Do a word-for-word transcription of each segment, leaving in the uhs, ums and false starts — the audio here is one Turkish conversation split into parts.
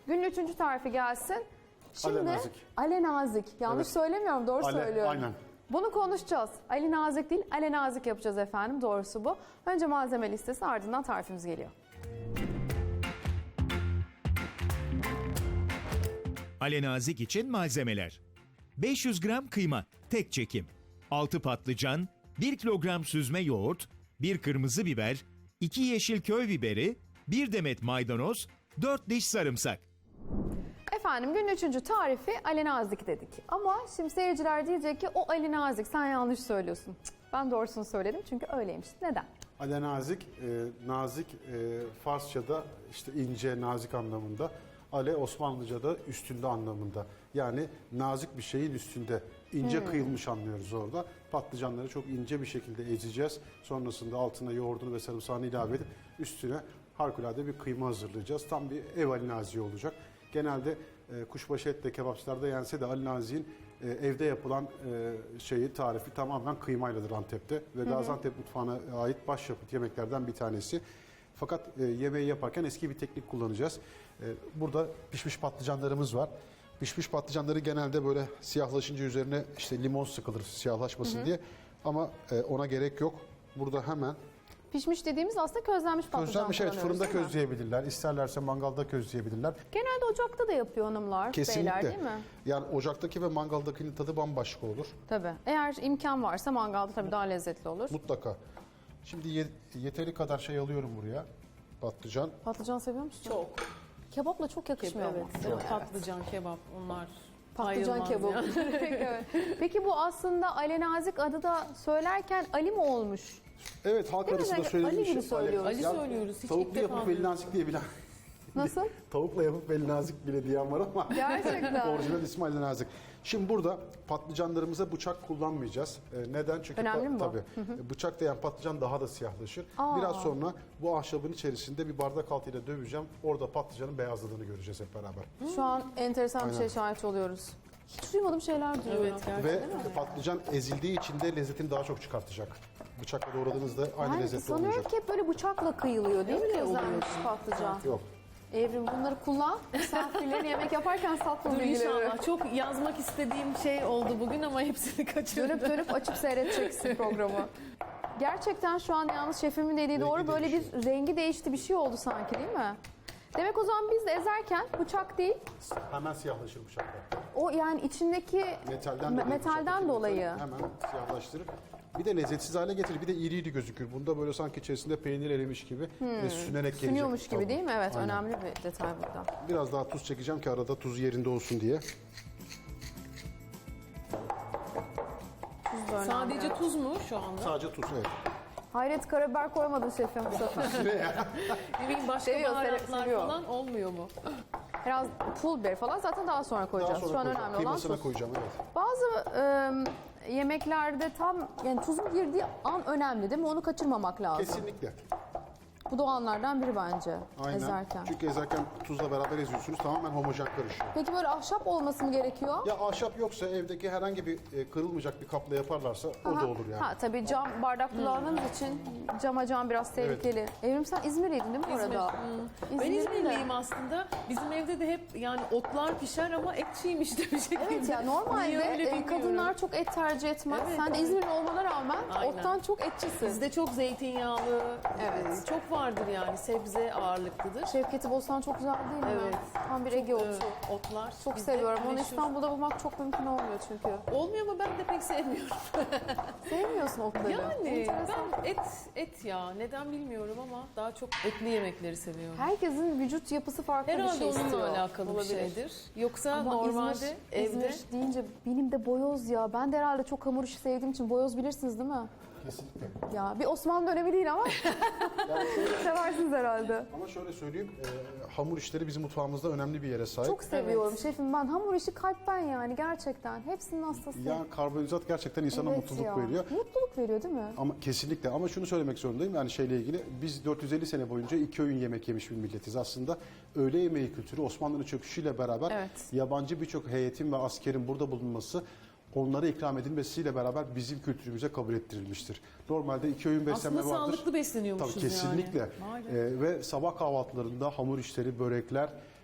Günün üçüncü tarifi gelsin. Şimdi Alenazik. Alenazik. Yanlış Evet. söylemiyorum, doğru Ale- söylüyorum. aynen. Bunu konuşacağız. Ali Nazik değil, Alenazik yapacağız efendim. Doğrusu bu. Önce malzeme listesi, ardından tarifimiz geliyor. Alenazik için malzemeler: beş yüz gram kıyma, tek çekim, altı patlıcan, bir kilogram süzme yoğurt, bir kırmızı biber, iki yeşil köy biberi, bir demet maydanoz, dört diş sarımsak. Efendim günün üçüncü tarifi Alenazik dedik. Ama şimdi seyirciler diyecek ki o Alenazik, sen yanlış söylüyorsun. Cık, ben doğrusunu söyledim çünkü öyleymiş. Neden? Alenazik, e, nazik e, Farsça'da işte ince, nazik anlamında. Ale Osmanlıca'da üstünde anlamında. Yani nazik bir şeyin üstünde. İnce Hmm. kıyılmış anlıyoruz orada. Patlıcanları çok ince bir şekilde ezeceğiz. Sonrasında altına yoğurdunu ve sarımsağını ilave edip üstüne harikulade bir kıyma hazırlayacağız. Tam bir ev alinaziği olacak. Genelde e, kuşbaşı etle kebapçılarda yense de alinazinin e, evde yapılan e, şeyi tarifi tamamen kıymayladır Antep'te. Ve Gaziantep mutfağına ait başyapıt yemeklerden bir tanesi. Fakat e, yemeği yaparken eski bir teknik kullanacağız. E, burada pişmiş patlıcanlarımız var. Pişmiş patlıcanları genelde böyle siyahlaşınca üzerine işte limon sıkılır siyahlaşmasın hı hı. diye. Ama e, ona gerek yok. Burada hemen Pişmiş dediğimiz aslında közlenmiş patlıcan közlenmiş, evet, kullanıyoruz, fırında değil mi? közleyebilirler. İsterlerse mangalda közleyebilirler. Genelde ocakta da yapıyor hanımlar, Kesinlikle. beyler, değil mi? Yani ocaktaki ve mangaldakinin tadı bambaşka olur. Tabii. Eğer imkan varsa mangalda tabii daha lezzetli olur. Mutlaka. Şimdi ye- yeteri kadar şey alıyorum buraya. Patlıcan. Patlıcan seviyor musun? Çok. Kebapla çok yakışmıyor mu? Evet, evet. Patlıcan, kebap onlar Patlıcan ayrılmaz kebabı. yani. Evet. Peki bu aslında Alenazik adı da söylerken Ali mi olmuş? Evet, halk Değil mi? arasında Ali söylediğim gibi şey. söylüyoruz. Ali söylüyoruz, hiç ilk Tavuklu defa yapıp veli nazik diye bilen. Nasıl? Tavukla yapıp veli nazik bile diyen var ama. Gerçekten. Orijinal ismi Ali Nazik. Şimdi burada patlıcanlarımıza bıçak kullanmayacağız. Ee, neden? Çünkü Önemli mi bu? tabii, bıçak değen patlıcan daha da siyahlaşır. Aa. Biraz sonra bu ahşabın içerisinde bir bardak altıyla döveceğim. Orada patlıcanın beyazladığını göreceğiz hep beraber. Şu an enteresan bir Aynen. şey şahit oluyoruz. Hiç duymadığım şeyler duyuyorum. Evet, gerçekten. Ve patlıcan ezildiği için de lezzetini daha çok çıkartacak. Bıçakla doğradığınızda aynı Yani lezzetli sanıyorum olmayacak. ki hep böyle bıçakla kıyılıyor değil mi Öyle közlenmiş oluyor. patlıcan? Yok. Evrim bunları kullan. Misafirlerin yemek yaparken sat bu Dur bilgileri. inşallah. Çok yazmak istediğim şey oldu bugün ama hepsini kaçırdım. Dönüp dönüp açıp seyredeceksin programı. Gerçekten şu an yalnız şefimin dediği doğru, böyle bir değişiyor. rengi değişti, bir şey oldu sanki, değil mi? Demek o zaman biz de ezerken bıçak değil, Hemen siyahlaşır bıçakla. o yani içindeki Metalden me- dolayı. metalden bıçaktaki dolayı. metali Hemen siyahlaştırır. Bir de lezzetsiz hale getirir. Bir de iri iri gözükür. Bunda böyle sanki içerisinde peynir erimiş gibi ve sünerek gelecek. Sünüyormuş gibi Tabii. değil mi? Evet, Aynen. önemli bir detay burada. Biraz daha tuz çekeceğim ki arada tuz yerinde olsun diye. Tuz da önemli. Sadece tuz mu şu anda? Sadece tuz, evet. Hayret, karabiber koymadın şefim bu sefer. Ne bileyim başka Seviyor, baharatlar seviyor. falan olmuyor mu? Biraz pul biber falan zaten daha sonra Daha koyacağız. sonra Şu an koyacağım. önemli olan Kıymasına tuz. koyacağım, evet. Bazı e, yemeklerde tam yani tuzun girdiği an önemli değil mi? Onu kaçırmamak lazım. Kesinlikle. Bu da o anlardan biri bence Aynen. ezerken. Çünkü ezerken tuzla beraber eziyorsunuz. Tamamen homojen karışıyor. Peki böyle ahşap olması mı gerekiyor? Ya ahşap yoksa evdeki herhangi bir e, kırılmayacak bir kapla yaparlarsa o Aha. da olur yani. Ha tabii cam bardak kullandığımız için cama cam biraz tehlikeli. Evrim, sen İzmirliydin değil mi bu İzmir. arada? Hmm. Ben İzmir'de. İzmirliyim aslında. Bizim evde de hep yani otlar pişer ama et çiğmiş de bir şekilde. Evet ya, normalde Niye öyle e, bilmiyorum. kadınlar çok et tercih etmez. Evet, Sen de evet. İzmirli olmana rağmen Aynen. ottan çok etçisin. Bizde çok zeytinyağlı, Evet. e, çok vardır yani sebze ağırlıklıdır. Şevketi Bostan çok güzel değil mi? Evet. Tam bir Ege otu. Ee, otlar. Çok bizde seviyorum. Onu meşhur. İstanbul'da bulmak çok mümkün olmuyor çünkü. Olmuyor ama ben de pek sevmiyorum. Sevmiyorsun otları. Yani Enteresan. ben et et ya neden bilmiyorum ama daha çok etli yemekleri seviyorum. Herkesin vücut yapısı farklı Herhalde bir şey onunla istiyor. alakalı bir Olabilir. şeydir. Yoksa Ama normalde İzmir, evde İzmir deyince benim de boyoz ya. Ben de herhalde çok hamur işi sevdiğim için boyoz bilirsiniz değil mi? Kesinlikle. Ya bir Osmanlı dönemi değil ama seversiniz herhalde. Ama şöyle söyleyeyim, e, hamur işleri bizim mutfağımızda önemli bir yere sahip. Çok seviyorum şefim ben. Hamur işi kalpten yani gerçekten. Hepsinin hastası. Ya karbonhidrat gerçekten insana Evet mutluluk ya. veriyor. Mutluluk veriyor değil mi? Ama kesinlikle, ama şunu söylemek zorundayım yani şeyle ilgili, biz dört yüz elli sene boyunca iki öğün yemek yemiş bir milletiz aslında. Öğle yemeği kültürü Osmanlı'nın çöküşüyle beraber Evet. yabancı birçok heyetin ve askerin burada bulunması, onlara ikram edilmesiyle beraber bizim kültürümüze kabul ettirilmiştir. Normalde iki öğün beslenme aslında vardır. sağlıklı besleniyormuşuz Tabii kesinlikle. yani. Vay be. Ee, ve sabah kahvaltılarında hamur işleri, börekler,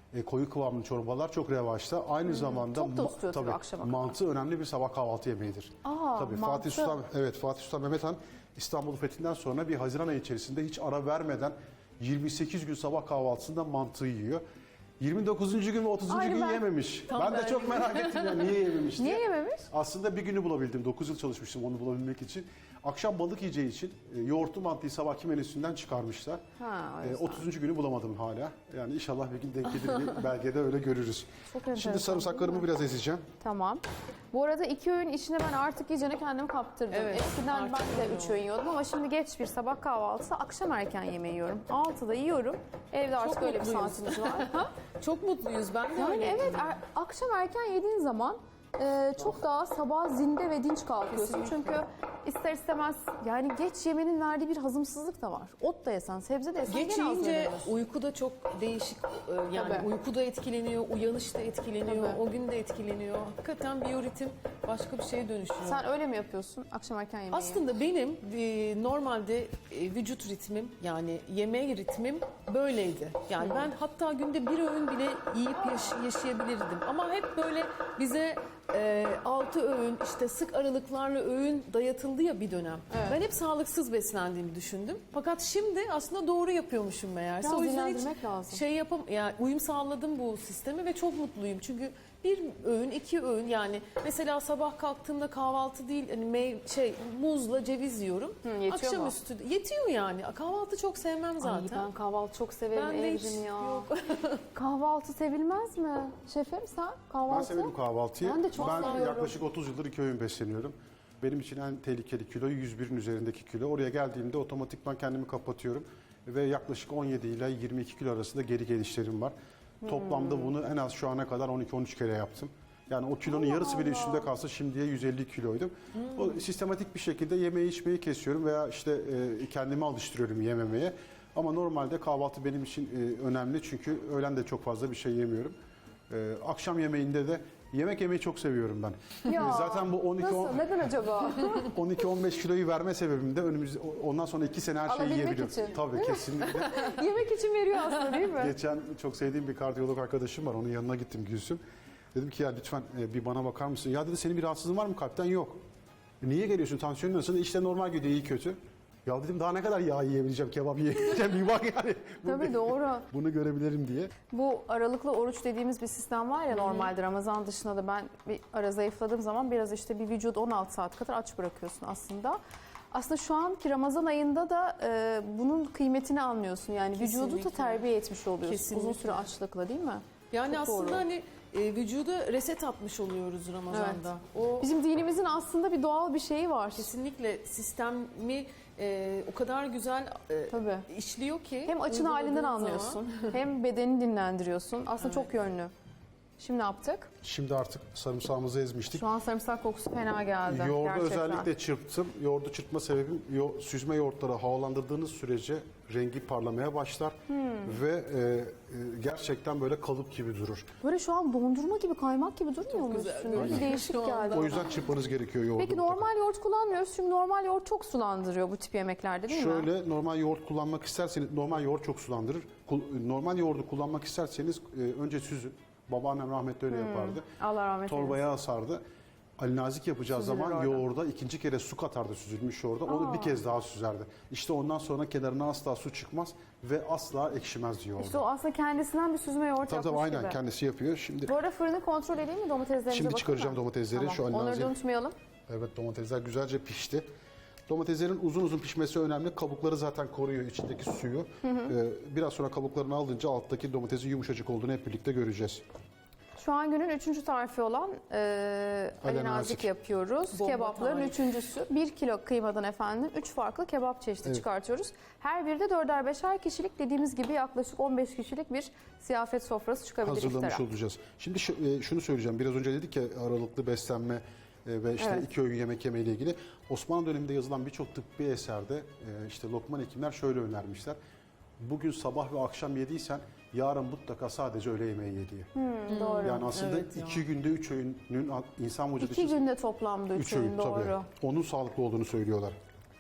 e, koyu kıvamlı çorbalar çok revaçta. Aynı zamanda Tok da ma- tutuyor tabii akşama kadar. mantı önemli bir sabah kahvaltı yemeğidir. Aa, tabii mantı. Fatih Sultan evet Fatih Sultan Mehmet Han İstanbul fethinden sonra bir Haziran ayı içerisinde hiç ara vermeden yirmi sekiz gün sabah kahvaltısında mantı yiyor. yirmi dokuzuncu gün ve otuzuncu Aynı gün ben. yememiş. Tam ben de ben çok merak ettim ya niye yememiş diye. Niye yememiş? Aslında bir günü bulabildim. dokuz yıl çalışmıştım onu bulabilmek için. Akşam balık yiyeceği için e, yoğurtlu mantıyı sabahki menüsünden çıkarmışlar. Ha, o E, yüzden. otuzuncu günü bulamadım hala. Yani inşallah bir gün denk gelir bir belgede öyle görürüz. Çok enteresan, Şimdi değil sarımsaklarımı mi? biraz ezeceğim. Tamam. Bu arada iki öğün içine ben artık iyicene kendimi kaptırdım. Evet, Eskiden artık ben de öyle üç öğün yiyordum ama şimdi geç bir sabah kahvaltısı, akşam erken yemeği yiyorum. altıda yiyorum. Evde artık Çok öyle bir mutluyuz. saatimiz var. Ha? Çok mutluyuz. Ben de Yani öyleyim. evet er- akşam erken yediğin zaman e, çok daha sabah zinde ve dinç kalkıyorsun. Çünkü ister istemez yani geç yemenin verdiği bir hazımsızlık da var. Ot da yesen, sebze de yesen Geç gene yiyince hazırlanıyorsun. uyku da çok değişik e, yani Tabii. uyku da etkileniyor, uyanış da etkileniyor, Tabii. o gün de etkileniyor. Hakikaten biyoritim başka bir şeye dönüşüyor. Sen öyle mi yapıyorsun akşam erken yemeği? Aslında benim e, normalde e, vücut ritmim yani yeme ritmim böyleydi. Yani ben hatta günde bir öğün bile yiyip yaş- yaşayabilirdim. Ama hep böyle bize e, altı öğün işte sık aralıklarla öğün dayatıldı ya bir dönem. Evet. Ben hep sağlıksız beslendiğimi düşündüm. Fakat şimdi aslında doğru yapıyormuşum meğerse. Biraz O yüzden hiç dinlendirmek lazım. şey yapam yani uyum sağladım bu sisteme ve çok mutluyum. Çünkü bir öğün, iki öğün yani mesela sabah kalktığımda kahvaltı değil hani mey- şey muzla ceviz yiyorum. Hı, yetiyor mu? Akşamüstü yetiyor yani. Kahvaltı çok sevmem zaten. Ay, ben kahvaltı çok severim Ben de hiç Evrim ya. yok. Kahvaltı sevilmez mi? Şefim sen kahvaltı? Ben severim kahvaltıyı. Ben de çok seviyorum. yaklaşık otuz yıldır iki öğün besleniyorum. Benim için en tehlikeli kilo yüz birin üzerindeki kilo. Oraya geldiğimde otomatikman kendimi kapatıyorum. Ve yaklaşık on yedi ile yirmi iki kilo arasında geri gelişlerim var. Toplamda bunu en az şu ana kadar on iki on üç kere yaptım. Yani o kilonun yarısı bile üstünde kalsa şimdiye yüz elli kiloydum. O sistematik bir şekilde yemeği içmeyi kesiyorum veya işte e, kendimi alıştırıyorum yememeye. Ama normalde kahvaltı benim için e, önemli çünkü öğlen de çok fazla bir şey yemiyorum. E, akşam yemeğinde de yemek yemeyi çok seviyorum ben. Ya, E, Zaten bu on iki Nasıl? Neden acaba? on iki on beş kiloyu verme sebebim de önümüz ondan sonra iki sene her şeyi Alabilmek yiyebiliyorum. için. Tabii kesinlikle. Yemek için veriyor aslında değil mi? Geçen çok sevdiğim bir kardiyolog arkadaşım var. Onun yanına gittim Gülsüm. Dedim ki ya lütfen e, bir bana bakar mısın? Ya dedi senin bir rahatsızlığın var mı kalpten? Yok. "E, niye geliyorsun? Tansiyonun nasıl? İşte normal gidiyor iyi kötü. Ya dedim daha ne kadar yağ yiyebileceğim, kebap yiyebileceğim bir bak yani. Bunu, Tabii doğru. bunu görebilirim diye. Bu aralıklı oruç dediğimiz bir sistem var ya normalde Ramazan dışında da ben bir ara zayıfladığım zaman biraz işte bir vücudu on altı saat kadar aç bırakıyorsun aslında. Aslında şu anki Ramazan ayında da e, bunun kıymetini anlıyorsun. Yani vücudu da Kesinlikle. terbiye etmiş oluyorsun Kesinlikle. uzun süre açlıkla değil mi? Yani Çok aslında doğru. hani e, vücuda reset atmış oluyoruz Ramazan'da. O Bizim dinimizin aslında bir doğal bir şeyi var. kesinlikle sistemi e, o kadar güzel e, Tabii. işliyor ki. Hem açın uyguladığın halinden zaman- anlıyorsun hem bedenini dinlendiriyorsun. Aslında çok yönlü. Şimdi ne yaptık? Şimdi artık sarımsağımızı ezmiştik. Şu an sarımsak kokusu fena geldi. Yoğurdu gerçekten. özellikle çırptım. Yoğurdu çırpma sebebim yo- süzme yoğurtları havalandırdığınız sürece rengi parlamaya başlar Hmm. ve e, e, gerçekten böyle kalıp gibi durur. Böyle şu an dondurma gibi, kaymak gibi durmuyor mu güzel üstünde? Bir görünüyor değişik şu anda. geldi. O yüzden çırpmanız gerekiyor yoğurdu. Peki mutlaka. normal yoğurt kullanmıyoruz çünkü normal yoğurt çok sulandırıyor bu tip yemeklerde değil mi? Şöyle normal yoğurt kullanmak isterseniz normal yoğurt çok sulandırır. Kul- Normal yoğurdu kullanmak isterseniz e, önce süzün. Babaannem rahmetli öyle yapardı. Allah rahmet eylesin. Torbaya asardı. Ali Nazik yapacağı Süzülür zaman orada. yoğurda ikinci kere su katardı süzülmüş yoğurda. Onu Aa. bir kez daha süzerdi. İşte ondan sonra kenarına asla su çıkmaz ve asla ekşimez yoğurda. İşte o aslında kendisinden bir süzme yoğurt Tabii yapmış tabii aynen gibi. kendisi yapıyor. Şimdi Bu arada fırını kontrol edeyim mi domateslerimize Şimdi bakayım çıkaracağım mı? domatesleri. Tamam. Şu Ali Onları Nazik- da unutmayalım. evet domatesler güzelce pişti. Domateslerin uzun uzun pişmesi önemli. Kabukları zaten koruyor içindeki suyu. Ee, biraz sonra kabuklarını alınca alttaki domatesin yumuşacık olduğunu hep birlikte göreceğiz. Şu an günün üçüncü tarifi olan e, Ali Ali Nazik Nazik. yapıyoruz. Bomba Kebapların tarif. üçüncüsü. Bir kilo kıymadan efendim üç farklı kebap çeşidi Evet. çıkartıyoruz. Her biri de dörder beşer kişilik dediğimiz gibi yaklaşık on beş kişilik bir ziyafet sofrası çıkabilir Hazırlamış iftara. olacağız. Şimdi şu- e, şunu söyleyeceğim. Biraz önce dedik ya aralıklı beslenme e, ve işte Evet. iki öğün yemek yeme ile ilgili. Osmanlı döneminde yazılan birçok tıbbi eserde e, işte Lokman hekimler şöyle önermişler. Bugün sabah ve akşam yediysen yarın mutlaka sadece öğle yemeği ye diye. Hmm, doğru. Yani aslında Evet ya. iki günde üç öğünün insan vücudu İki için günde toplamda üç, üç öğün öğün doğru. tabii. Onun sağlıklı olduğunu söylüyorlar.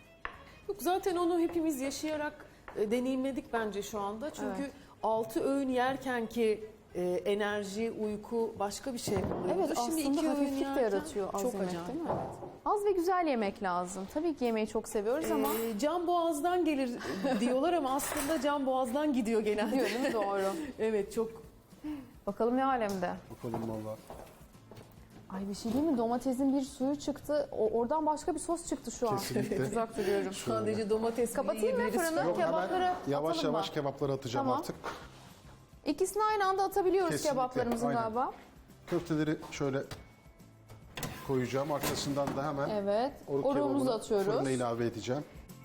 Yok zaten onu hepimiz yaşayarak e, deneyimledik bence şu anda. Çünkü Evet. altı öğün yerken ki e, enerji, uyku başka bir şey oluyor. Evet, aslında hafiflik de yerken yaratıyor az çok yemek, acayip. değil mi? Az ve güzel yemek lazım. Tabii ki yemeği çok seviyoruz ama Ee, can boğazdan gelir diyorlar ama aslında can boğazdan gidiyor genelde. diyor değil mi? Doğru. Evet, çok Bakalım ne alemde. Bakalım valla. Ay bir şey değil mi? Domatesin bir suyu çıktı. O, oradan başka bir sos çıktı şu an. Kesinlikle. Uzak duruyorum. sadece domates bile Kapatayım mı yiyebiliriz. fırını? Yok, Kebapları hemen yavaş atalım yavaş mı? kebapları atacağım Tamam. artık. İkisini aynı anda atabiliyoruz Kesinlikle, kebaplarımızın aynen. galiba. Köfteleri şöyle koyacağım. Arkasından da hemen Evet. oruk Oruğumuzu kebabını atıyoruz. fırına ilave edeceğim.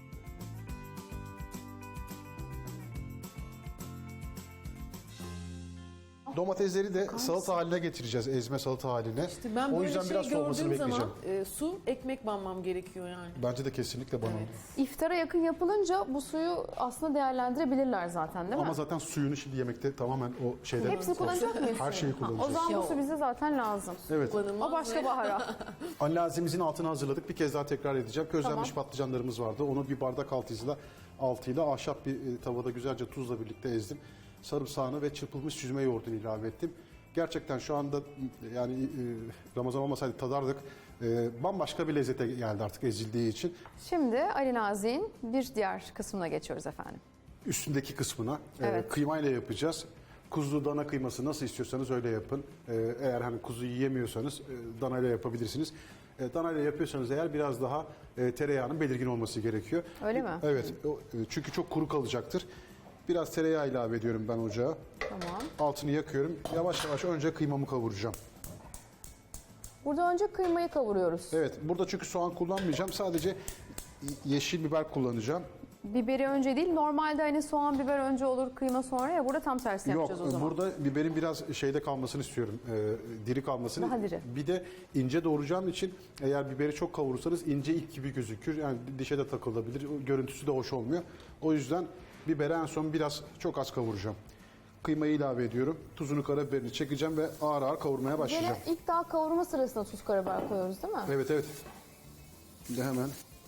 Domatesleri de salata haline getireceğiz. Ezme salata haline. İşte ben O böyle yüzden şey biraz soğumasını gördüğüm bekleyeceğim. zaman e, su, ekmek banmam gerekiyor yani. Bence de kesinlikle bana. Evet. İftara yakın yapılınca bu suyu aslında değerlendirebilirler zaten değil mi? Ama zaten suyunu şimdi yemekte tamamen o şeyden... Hepsini kullanacak mıyız? Her şeyi O kullanacağız. zaman bu Ya su o- bize zaten lazım. Evet. Kullanılmaz O başka ve- bahara. Anlazimizin altını hazırladık. Bir kez daha tekrar edeceğim. Közlenmiş Tamam. patlıcanlarımız vardı. Onu bir bardak altıyla altıyla ahşap bir e, tavada güzelce tuzla birlikte ezdim. Sarımsağını ve çırpılmış süzme yoğurdunu ilave ettim. Gerçekten şu anda yani e, Ramazan olmasaydı tadardık. E, bambaşka bir lezzete geldi artık ezildiği için. Şimdi Ali Nazik'in bir diğer kısmına geçiyoruz efendim. Üstündeki kısmına e, Evet. kıymayla yapacağız. Kuzu dana kıyması nasıl istiyorsanız öyle yapın. E, eğer hani kuzu yiyemiyorsanız e, danayla yapabilirsiniz. E, danayla yapıyorsanız eğer biraz daha e, tereyağının belirgin olması gerekiyor. Öyle mi? Evet. o, e, çünkü çok kuru kalacaktır. Biraz tereyağı ilave ediyorum ben ocağa. Tamam. Altını yakıyorum. Yavaş yavaş önce kıymamı kavuracağım. Burada önce kıymayı kavuruyoruz. Evet. Burada çünkü soğan kullanmayacağım. Sadece yeşil biber kullanacağım. Biberi önce değil, normalde hani soğan biber önce olur, kıyma sonra ya burada tam tersi Yok, yapacağız o zaman. burada biberin biraz şeyde kalmasını istiyorum, e, diri kalmasını. Daha diri. Bir de ince doğrayacağım için eğer biberi çok kavurursanız ince ip gibi gözükür. Yani dişe de takılabilir, o görüntüsü de hoş olmuyor. O yüzden biberi en son biraz çok az kavuracağım. Kıymayı ilave ediyorum, tuzunu karabiberini çekeceğim ve ağır ağır kavurmaya başlayacağım. Gene ilk daha kavurma sırasında tuz karabiber koyuyoruz değil mi? Evet evet. Şimdi hemen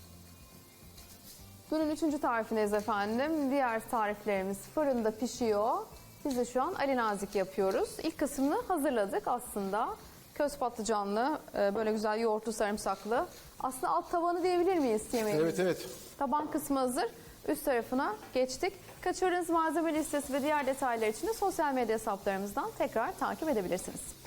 Günün üçüncü tarifindeyiz efendim. Diğer tariflerimiz fırında pişiyor. Biz de şu an Ali Nazik yapıyoruz. İlk kısmını hazırladık aslında. Köz patlıcanlı, e, böyle güzel yoğurtlu sarımsaklı. Aslında alt tavanı diyebilir miyiz yemeğin? evet evet. Taban kısmı hazır. Üst tarafına geçtik. Kaçırdığınız malzeme listesi ve diğer detaylar için de sosyal medya hesaplarımızdan tekrar takip edebilirsiniz.